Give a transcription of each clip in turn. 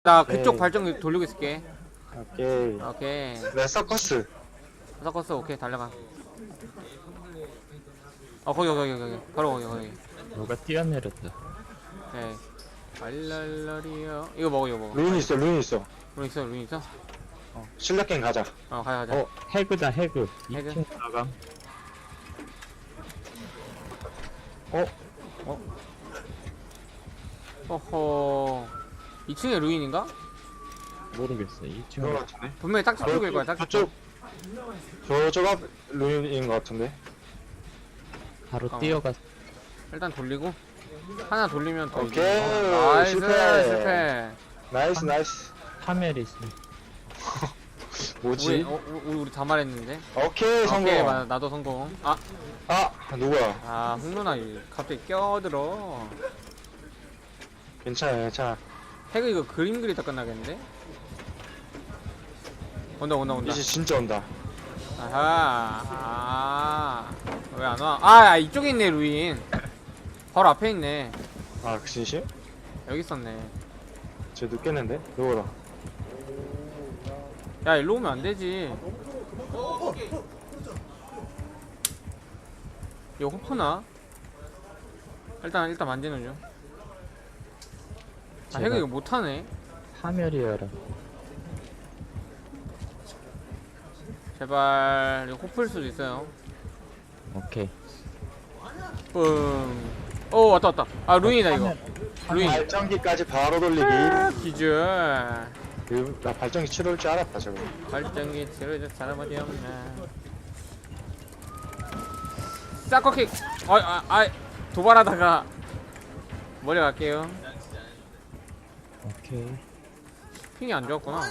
나 그쪽 발전기 돌리고 있을게. 오케이. 오케이. 내 서커스. 섞었어. 오케이 달려가. 거기 바로 거기. 누가 뛰어내렸다. 오케이. 알랄라리요. 이거 먹어. 루인 있어. 룬 있어? 실력 게임 가자. 가자. 해그다 해그. 해그. 2층 나감. 어허. 2층에 루인인가? 모르겠어. 2층. 그런 거 같은데. 분명히 딱지 쪽일 거야. 딱지 쪽. 저쪽 앞 루인인 거 같은데. 바로 어. 뛰어갔어. 일단 돌리고 하나 돌리면 더 오케이. 이기는 거. 나이스. 실패. 실패. 나이스. 파멜이 있어. 뭐지? 우리 다 말했는데. 오케이 성공. 오케이, 맞아. 나도 성공. 누구야? 홍누나 갑자기 껴들어. 괜찮아. 태그 이거 그림 그리다 끝나겠는데? 온다. 이제 진짜 온다. 아하. 왜 안 와? 이쪽에 있네, 루인. 바로 앞에 있네. 그 진심? 여기 있었네. 쟤 늦겠는데? 누구라? 야, 일로 오면 안 되지. 이거 호프나? 일단 만지는 중. 제가- 해그 이거 못하네. 파멜이어라. 제발, 이거 호프일 수도 있어요. 오케이. 뿡. 왔다. 루인이다, 이거. 루인. 발전기까지 바로 돌리기. 기절. 나 발전기 치러올 줄 알았다 저거. 발전기 치료해줄 사람 어디 없나. 사커킥. 도발하다가 멀리 갈게요. 오케이. 핑이 안 좋았구나.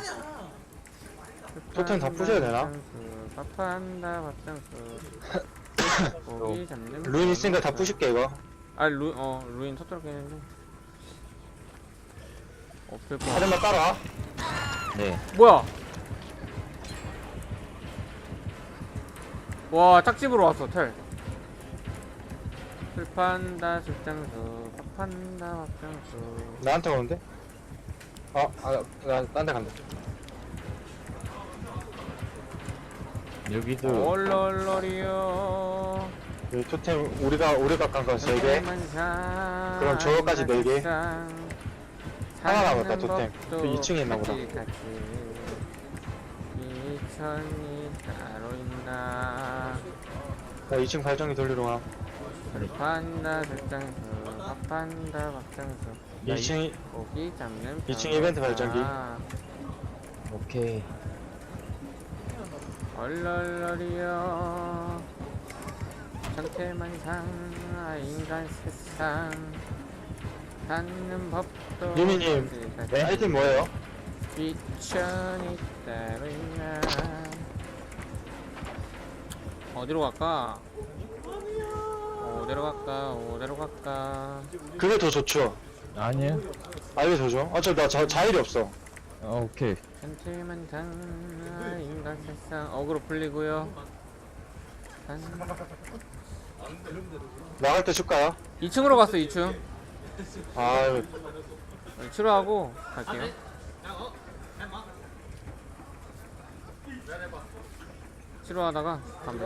토템 다 부셔야 되나? 밥한다 밥장수. 고기 잡는 루인 있으니까 다 부실게 이거. 루인 터뜨렸긴 했는데 없을 거. 하늘만 따라와. 네. 뭐야? 와, 짝집으로 왔어. 텔. 술판다 술장수 밥한다 밥장수. 나한테 오는데? 나 딴 데 간다. 여기도 얼얼얼이요. 여기 토템 우리가 깐거 3개. 그럼 저거까지 4개. 하나 남았다 토템. 그 2층에 있나 보다. 2천이 따로 있나. 나 2층 발전기 돌리러 가. 술판다 술장수 밥한다 밥장수. 2층 고기 잡는 2층 이벤트 발전기. 오케이. 얼얼얼이여. 전태만상 인간 세상 닿는 법도. 유미님, 네? 아이템 뭐예요? 귀천이 따로 있나. 어디로 갈까? 어디로 갈까? 그게 더 좋죠. 아니야. 이게 더 좋아? 나 자일이 없어. 오케이. 전태만상 인간 세상. 어그로 풀리고요. 나갈 때 줄까요? 2층으로 갔어. 2층 이거 치료하고 갈게요. 치료하다가 담배.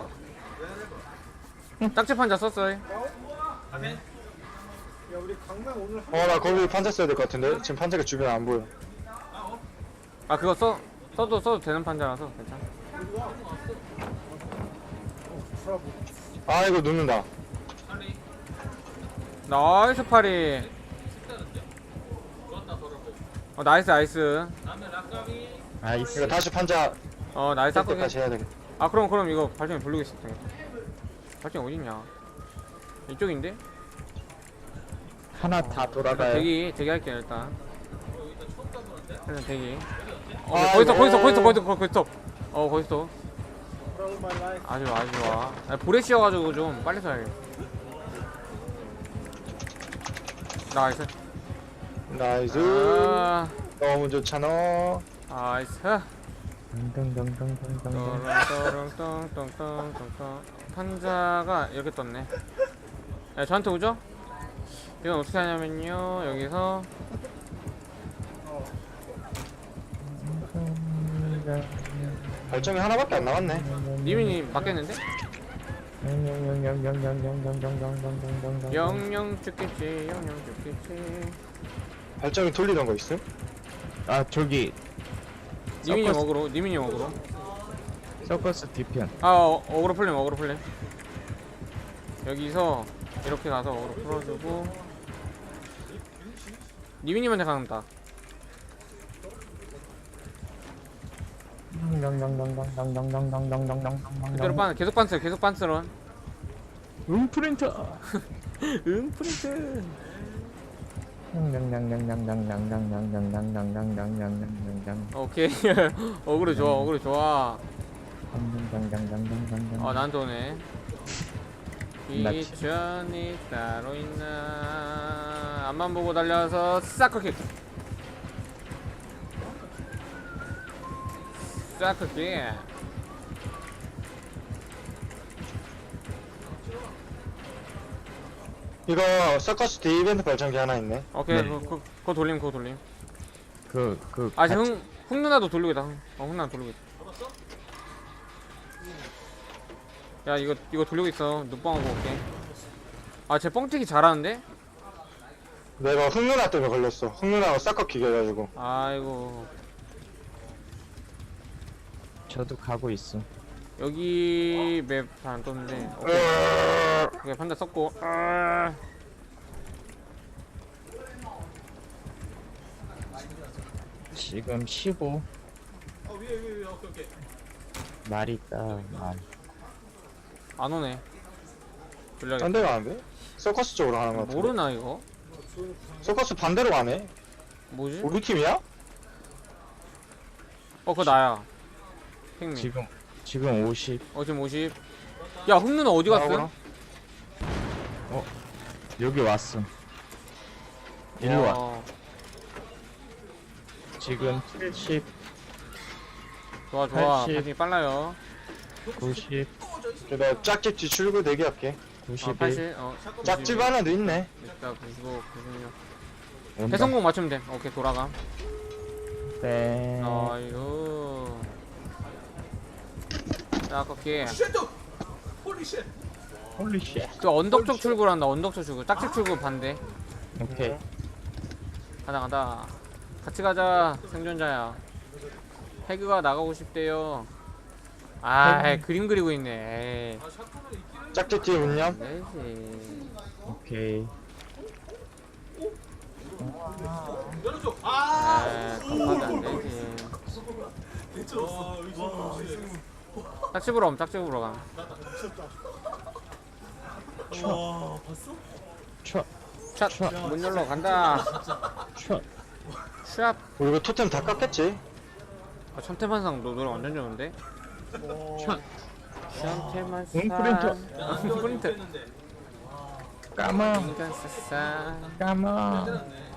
짝집 환자 썼어요. 나 거기 판자 써야 될 것 같은데? 지금 판자가 주변에 안 보여. 그거 써도 되는 판자라서 괜찮아. 이거 눕는다. 나이스 파리. 나이스. 아이스. 이거 다시 판자 나이스 뜰 아까. 때까지 해야 되겠다. 그럼 이거 발전기 돌리겠습니다. 발전기 어딨냐? 이쪽인데? 하나 다 돌아가요. 대기 할게요 일단 대기. 아이고. 거기서. 아주 좋아. 볼에 씌워가지고 좀 빨리 써야겠어. 나이스. 너무 좋잖아. 나이스. 덩덩덩덩덩덩. 똥똥똥똥똥똥. 판자가 이렇게 떴네. 저한테 오죠? 이건 어떻게 하냐면요, 여기서 발정이 하나밖에 안 남았네. 니민이 바뀌었는데? 영영 죽겠지 영영 죽겠지. 발정이 돌리던 거 있음? 아 저기 니민이 서커스. 먹으러 니민이 먹으러. 서커스 뒤편. 아 어그로 풀림 어그로 풀림. 여기서 이렇게 가서 어그로 풀어주고 니민님한테 간다. 그대로 빤 계속 빤스 계속 빤스런. 프린터. 응 프린트. 오케이. 어그로 좋아 어그로 좋아. 나한테 오네. 미션이 따로 있나. 앞만 보고 달려서 사커킥. 사커킥. 이거 서커스 D 이벤트 발전기 하나 있네. 오케이. 네. 그거 돌림 그거 돌림. 아, 지금 흥 누나도 돌리고 있다. 흥 누나 돌리고 있다. 야 이거 돌리고 있어. 눕방하고 올게. 쟤 뻥튀기 잘하는데? 내가 흑누나 때문에 걸렸어. 흑누나가 사커킥 해가지고. 아이고. 저도 가고 있어. 여기 맵 잘 안 떴는데. 오케이 판다 썼고. 지금 15. 말 있다. 말. 안 오네. 돌려야겠다. 딴 데 가는데? 서커스 쪽으로 가는 거 같은데. 모르나 이거? 서커스 반대로 가네. 뭐지? 우리 팀이야? 그거 나야. 팽미. 지금 50. 지금 50. 야 흥누나 어디 갔어? 나오거나? 여기 왔어. 일로 와. 지금 70, 좋아 80. 발전기 빨라요. 90, 나 짝집 뒤출구 대기할게. 91. 80. 짝집 하나도 있네. 일단 95, 96. 온다. 배성공 맞추면 돼. 오케이 돌아가. 땡. 아이고. 자 아깝게. 홀리 쉣. 그 언덕 쪽 출구로 한다. 언덕 쪽 출구. 짝집 출구 반대. 오케이. 가자. 같이 가자. 생존자야. 해그가 나가고 싶대요. 그림 그리고 있네. 짝집 뒤에 운념. 네지. 오케이. 감사하게 안 되지. 짝집으로 옴. 짝집으로 가. 촥. 샷. 문 열러 간다. 촥. 샷. 우리 이거 토템 다 깎겠지? 천태만상 노래 완전 좋은데? 촥. 천태만상. 프린터. 프린트. 까마. 인간 싸싸. 까마.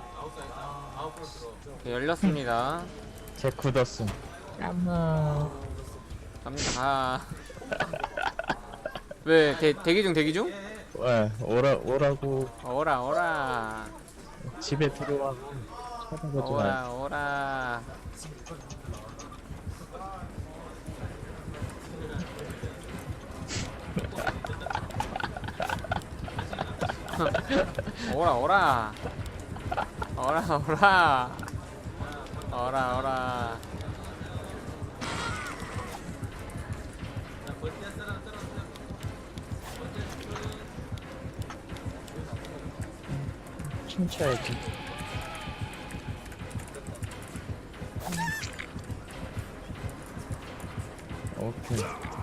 네, 열렸습니다. 제 굳었음. 까마. 갑니다. 왜 대기 중? 왜 오라고 오라. 집에 들어와. 쳐다보지 마. 오라. 오라. 춤춰야지. 오케이.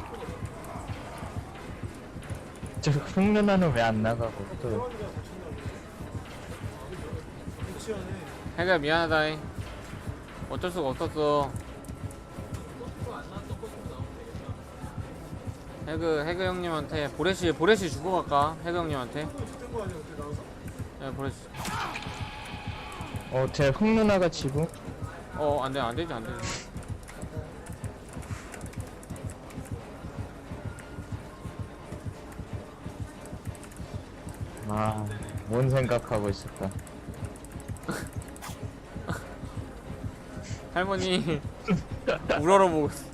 저 흑누나는 왜 안 나가고 또 해가 미안하다. 어쩔 수가 없었어. 해그 형님한테 보레시 주고 갈까? 해그 형님한테. 네, 보레시. 제 흑누나가 지금 안 되지. 뭔 생각하고 있을까? 할머니 우러러 보고 있어.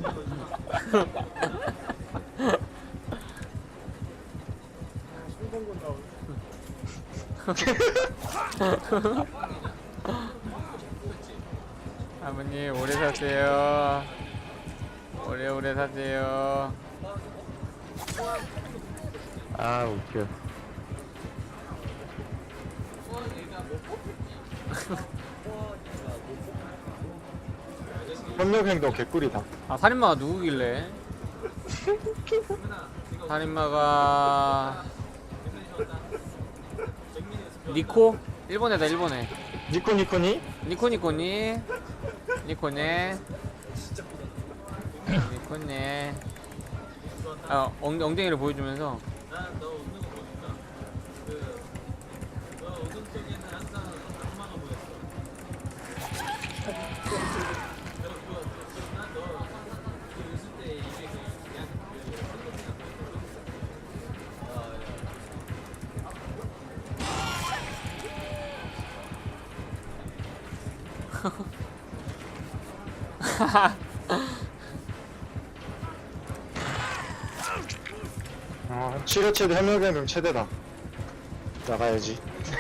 할머니 오래 사세요. 오래오래 사세요. 아 웃겨. 협력행동 개꿀이다. 아 살인마가 누구길래? 살인마가 니코? 일본애다 일본애. 니코니코니? 니코니코니 니코네 니코네. 아 엉덩이를 보여주면서 치료 최대, 협력행동 최대다. 나가야지.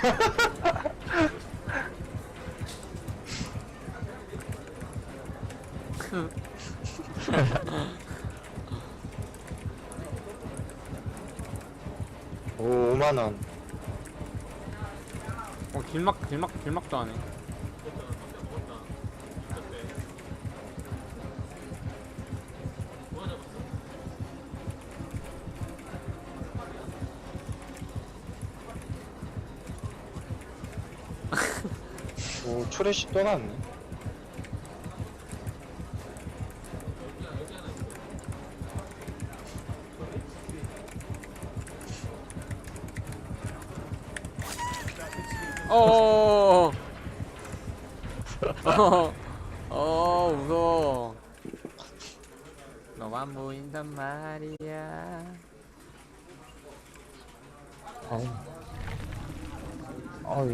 오, 5만원. 길막도 하네. 오, 초래시 또 나왔네. 어어어어 무서워. 너만 보인단 말이야. 아우. 아우